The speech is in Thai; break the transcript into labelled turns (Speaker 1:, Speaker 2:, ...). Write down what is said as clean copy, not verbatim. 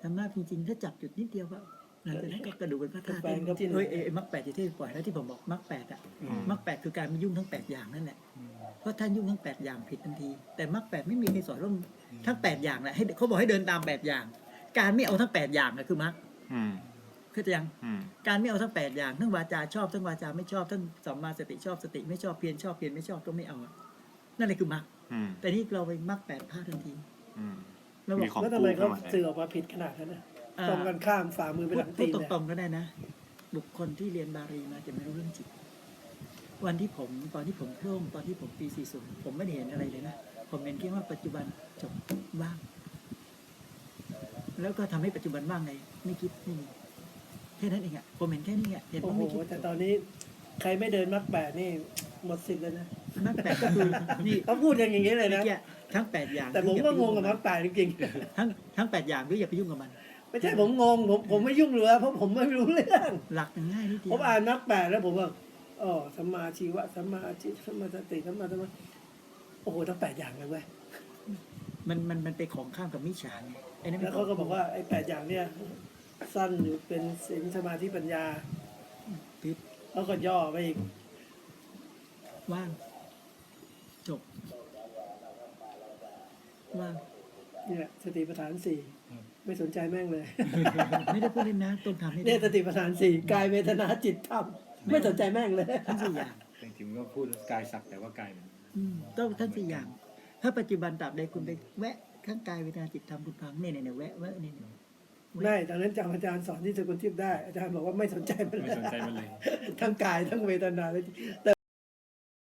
Speaker 1: ทำมากจริงๆถ้าจับจุดนิดเดียวก็หลังจากนั้นก็กระดูกเป็นพระธาตุที่มรรคแปดที่ปล่อยแล้วที่ผมบอกมรรคแปดอ่ะมรรคแปดคือการไม่ยุ่งทั้ง8อย่างนั่นแหละเพราะท่านยุ่งทั้ง8อย่างผิดทันทีแต่มรรคแปดไม่มีใครสอนเรื่องทั้ง8อย่างแหละให้เขาบอกให้เดินตาม8อย่างการไม่เอาทั้ง8อย่างนะคือมรรคเข้าใจยังการไม่เอาทั้ง8อย่างทั้งวาจาชอบทั้งวาจาไม่ชอบทั้งสัมมาสติชอบสติไม่ชอบเพียรชอบเพียรไม่ชอบก็ไม่เอานั่นแหละคือมรรคแต่นี่เราไปมรรค8พลาดทันที
Speaker 2: แล้วทำไมเขาสื่อออกมาผิดขนาดนั้นนะตรงกันข้ามฝ่ามือไปหลังตีน
Speaker 1: พูดตรงๆก็ได้นะบุคคลที่เรียนบาลีมาจะไม่รู้เรื่องจิตตอนที่ผมโพร่งตอนที่ผมปี40ผมไม่ได้เห็นอะไรเลยนะผมเห็นแค่ว่าปัจจุบันจบว่างแล้วก็ทำให้ปัจจุบันว่างไงไม่คิดไม่มีแค่นั้นเองอ่ะผมเห็นแค่นี้อ่ะเห็นว่าไม่คิด
Speaker 2: แต่ตอนนี้ใครไม่เดินมรรคแปดนี่หมดสิทธิ์เลยนะ
Speaker 1: มรรคแปดก็คือนี่
Speaker 2: เขาพูดอย่างนี้เลยนะ
Speaker 1: ทั้ง8อย่าง
Speaker 2: แต่ผมก็งงกับมรรคแปดจริง
Speaker 1: ๆทั้ง8อย่างด้วยอย่าไปยุ่งกับมัน
Speaker 2: ไม่ใช่ผมงงผมไม่ยุ่งเลยเพราะผมไม่รู้เรื่อง
Speaker 1: หลักง่ายนิดเดียว
Speaker 2: ผมอ่านมรรคแปดแล้วผมว่าอ๋อสัมมาชีวะสัมมาอาชีพสัมมาสติสัมมาธรรมะโอ้โหทั้ง8อย่างเลยเว้ย
Speaker 1: มันไปของข้ามกับมิจฉาไง
Speaker 2: แล้วเขาก็บอกว่าไอ้8อย่างเนี่ยสั้นอยู่เป็นศีลสมาธิปัญญา
Speaker 1: พิษ
Speaker 2: แล้วก็ย่อไปอีก
Speaker 1: ว่างจบว่าง
Speaker 2: เนี่ยสติปัฏฐาน4ไม่สนใจแม่งเลย
Speaker 1: ไม่ได้พูดเล่นนะต้องทำให้
Speaker 2: เนี่ยสติปัฏฐาน4กายเวทนาจิตธรรมไม่สนใจแม่งเลย
Speaker 1: ทั้ง4อย่าง
Speaker 3: จริงๆก็พูดกายสักแต่ว่ากายมัน
Speaker 1: ต้องทั้ง4อย่างถ้าปัจจุบันตราบใดคุณไปแวะข้างกายเวทนาจิตธรรมคุณฟังเนี่ยแวะเนี่ย
Speaker 2: ได้ตอนนั้นจำอาจารย์สอนที่สกุลทิพย์ได้อาจารย์บอกว่าไม่สนใจมันเลยทั้งกายทั้งเวทนาเลย